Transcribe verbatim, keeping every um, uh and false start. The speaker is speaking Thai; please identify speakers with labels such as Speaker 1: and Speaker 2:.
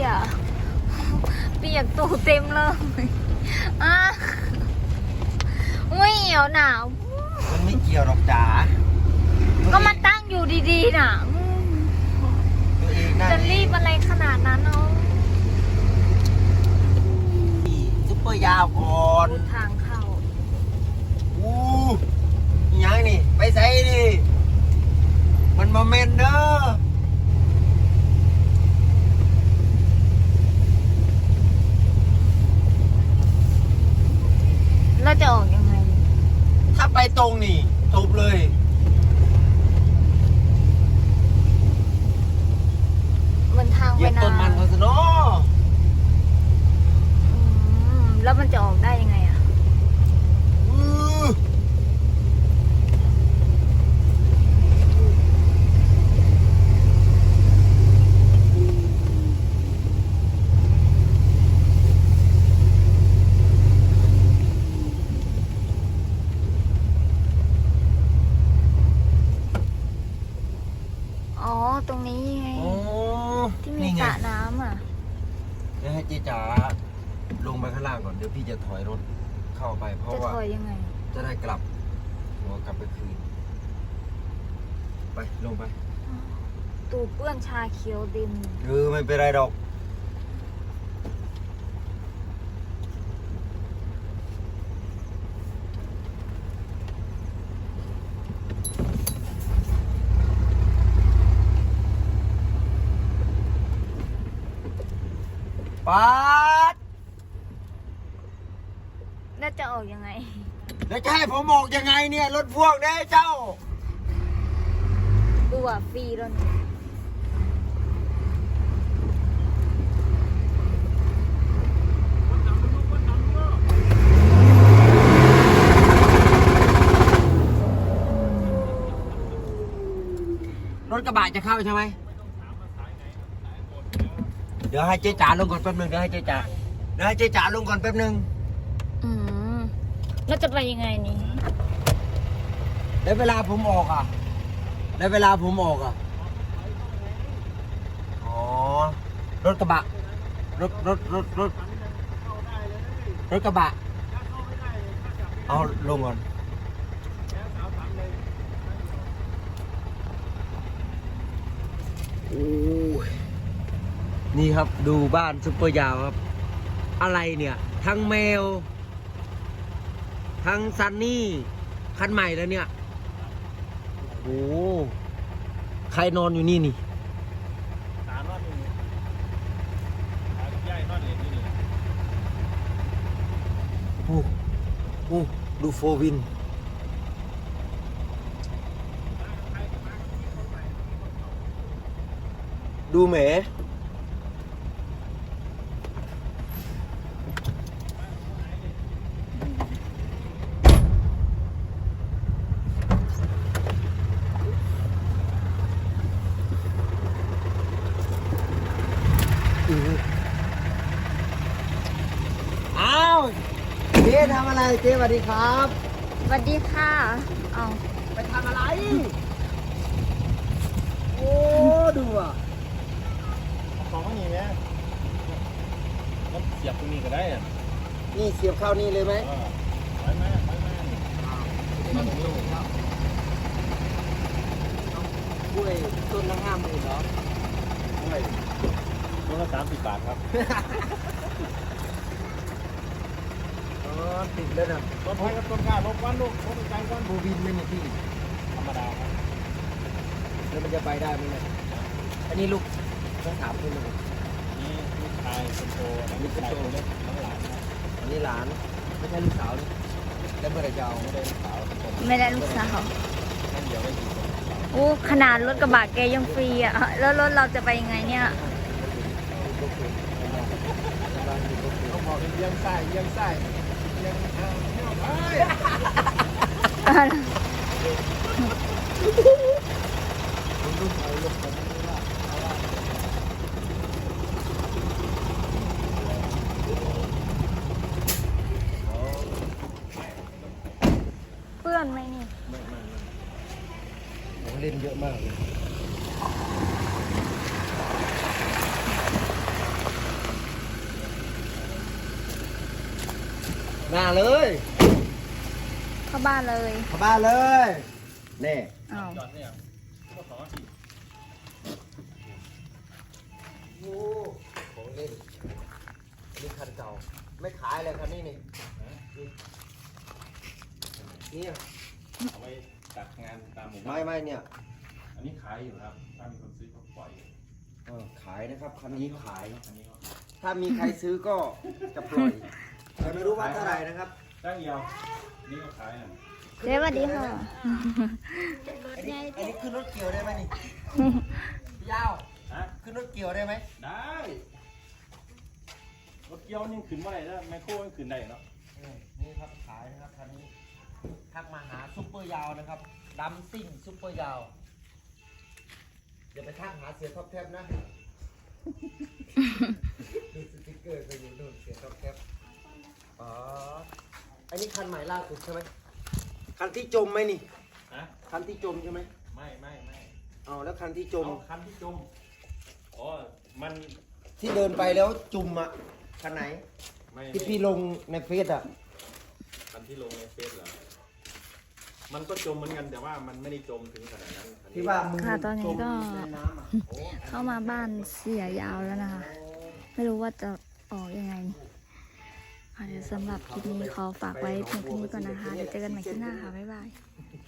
Speaker 1: อ่ะเปียกตัวเต็มเลยอ่ะไม่เหี่ยวหนาว
Speaker 2: มันไม่เกี่ยวหรอกจ๋า
Speaker 1: ก็มาตั้งอยู่ดีๆน่ะ
Speaker 2: ตัวเองน่า
Speaker 1: จะรีบอะไรขนาดนั้นเนาะ
Speaker 2: ซุปเปอร์ยาวก่อน
Speaker 1: ทางเข้า
Speaker 2: อู้ยังนี่ไปใส่ดิมันโมเมนต์เด้อ
Speaker 1: แล้วจะออกยังไง
Speaker 2: ถ้าไปตรงนี่จบเลย
Speaker 1: เหมือนทาง
Speaker 2: เหยี
Speaker 1: ไป
Speaker 2: ยบ
Speaker 1: นา
Speaker 2: ต้นมันเขาซะเนาะ
Speaker 1: แล้วมันจะออกได้ยังไงอ่ะอ๋อตรงนี้ไงที่มีสระน้ำอ่ะ
Speaker 2: เดี๋ยวให้เจ๊จ๋าลงไปข้างล่างก่อนเดี๋ยวพี่จะถอยรถเข้าไปเพราะว่า
Speaker 1: จะถอยยังไง
Speaker 2: จะได้กลับหัวกลับไปคืนไปลงไป
Speaker 1: ตูเปื้อนชาเขียวดิน
Speaker 2: เออไม่เป็นไรดอกปัด
Speaker 1: แล้วจะออกยังไง
Speaker 2: แล้วจะให้ผมออกยังไงเนี่ยรถพ่วงได้เจ้า
Speaker 1: ดูอ่ะฟรีแล้วนี่
Speaker 2: รถกระบะจะเข้าใช่ไหมเดี๋ยวให้เจ๊จ๋าลงก่อนแป๊บนึงเดี๋ยวให้เจ๊จ๋าเดี๋ยวให้เจ๊จ๋าลงก่อนแป๊บนึง
Speaker 1: อืมแล้วจะไปยังไงนี่
Speaker 2: แล้วเวลาผมออกอ่ะแล้วเวลาผมออกอ่ะอ๋อรถกระบะรถรถรถรถรถกระบะเอาลงก่อนโอ้ยนี่ครับดูบ้านซุปเปอร์ยาวครับอะไรเนี่ยทั้งแมวทั้งซันนี่คันใหม่แล้วเนี่ยโอ้ใครนอนอยู่นี่นี่
Speaker 3: ตานอนอยู่นี่ตากับยายนอนเล่นอยู่นี่
Speaker 2: โอ้โอ้ดูโฟวินดูแหมอ้าวเจ๊ทำอะไรเจ๊สวัสดีครับ
Speaker 1: สวัสดีค่ะเอา
Speaker 2: ไปทำอะไรโอ้ดูอ่ะ
Speaker 3: ของมันนี่ไหมมันเสียบตรงนี้ก็ได้อ่ะ
Speaker 2: นี่เสียบเข้านี่เลยไหม
Speaker 3: ไปไหมไปไหม
Speaker 2: กล้วยต้นละห้าหมื่นเหรอ
Speaker 3: ไม่ต้นละสามสิบบาทครับ
Speaker 2: อ๋อติดเลยนะ
Speaker 3: ต้นไม้กับต้นกล้าลบวันลูกลบใจวัน
Speaker 2: บูวินไม่มีที่
Speaker 3: ธรรมดาครับ
Speaker 2: แล้วมันจะไปได้ไหมเนี่ยอันนี้ลูกต้องถามคุณเลย
Speaker 3: นี่ลูกชายคนโตลูกชายคนเล็กน้องหลานครับ
Speaker 2: อันนี้หลานไม่ใช่ลูกสาวนี่แล้วเมื่อไรจะเอา
Speaker 3: ไม่ได้ลูกสาวคนโต
Speaker 1: ไม่ได้ลูกสาว
Speaker 3: นั่นเดียวได้กี่คน
Speaker 1: โอ้ขนาดรถกระบะแกยังฟรีอ่ะแล้วรถเราจะไปยังไงเนี่ย
Speaker 3: ต้องบอกเป็นเยี่ยมไส้เยี่ยมไส้เยี่ยมอ่าเยี่ยมไ
Speaker 1: เปื้อนไหมนี่
Speaker 2: ไม่ไม่ผมเล่นเยอะมากเลยหน้าเลย
Speaker 1: เข้าบ้านเลย
Speaker 2: เข้าบ้านเลยนี่
Speaker 1: อ้าว
Speaker 3: จอดเนี่ยก็สองนาที
Speaker 2: โอ้ของเล่นอันนี้คันเก่าไม่ขายเลยคันนี้นี่นี่
Speaker 3: เอาไว้จัดงานตามหมู่บ้า
Speaker 2: ไม่
Speaker 3: น
Speaker 2: ไม่เนี่ย
Speaker 3: อันนี้ขายอยู่ครับถ้ามีคนซื้อก็ปล่อย
Speaker 2: เออขายนะครับคันนี้ขาย
Speaker 3: อันนี้ก็
Speaker 2: ถ้ามีใครซื้อก็จะปล่อยแต่ไม่รู้ว่าเท่าไหร่นะครับ
Speaker 3: จ้างเดียวนี่ก็ขายอ่ะ
Speaker 1: เจ๊สวัสดีค่ะ
Speaker 2: อันนี้อันนี้ขึ้นรถเกี่ยวได้ไหมนี่พี่ยาว
Speaker 3: ฮะ
Speaker 2: ขึ้นรถเกี่ยวได้ไหม
Speaker 3: ได้รถเกี่ยวยังขึ้นเมื่อไหร่แล้วไมโครยังขึ้นได้เนาะ
Speaker 2: นี่ครับขายนะครับคันนี้ทักมาหาซุปเปอร์ยาวนะครับดัมซิ่งซุปเปอร์ยาวอย่าไปทักหาเสียท็อปแทบนะดูสติ๊กเกอร์ไปอยู่นู่นเสียท็อปแทบอ๋ออันนี้คันใหม่ล่าสุดใช่ไหมคันที่จมไหมนี่
Speaker 3: ฮะ
Speaker 2: คันที่จมใช่ไหม
Speaker 3: ไม่ไม่ไม่
Speaker 2: เอาแล้วคันที่จม
Speaker 3: เอาคันที่จมอ๋อมัน
Speaker 2: ที่เดินไปแล้วจุ่มอ่ะคันไหน
Speaker 3: ไม่
Speaker 2: ที่พี่ลงในเฟซอ่ะ
Speaker 3: คันที่ลงในเฟซเหรอมันก็จมเหมือนกันแต่ว่ามันไม่ได้จมถึงขนาดนั้นคันนี้
Speaker 2: ที่ว่ามึง
Speaker 1: ค่ะตอนนี้ก็
Speaker 2: จมในน้ำอ่ะ
Speaker 3: โอ้
Speaker 1: เข้ามาบ้านเสียยาวแล้วนะคะ ไม่รู้ว่าจะออกยังไงค่ะเดี๋ยวสำหรับคลิปนี้ขอฝากไว้เพียงเท่านี้ก่อนนะคะ เดี๋ยวเจอกันใหม่คลิปหน้าค่ะ บ๊ายบาย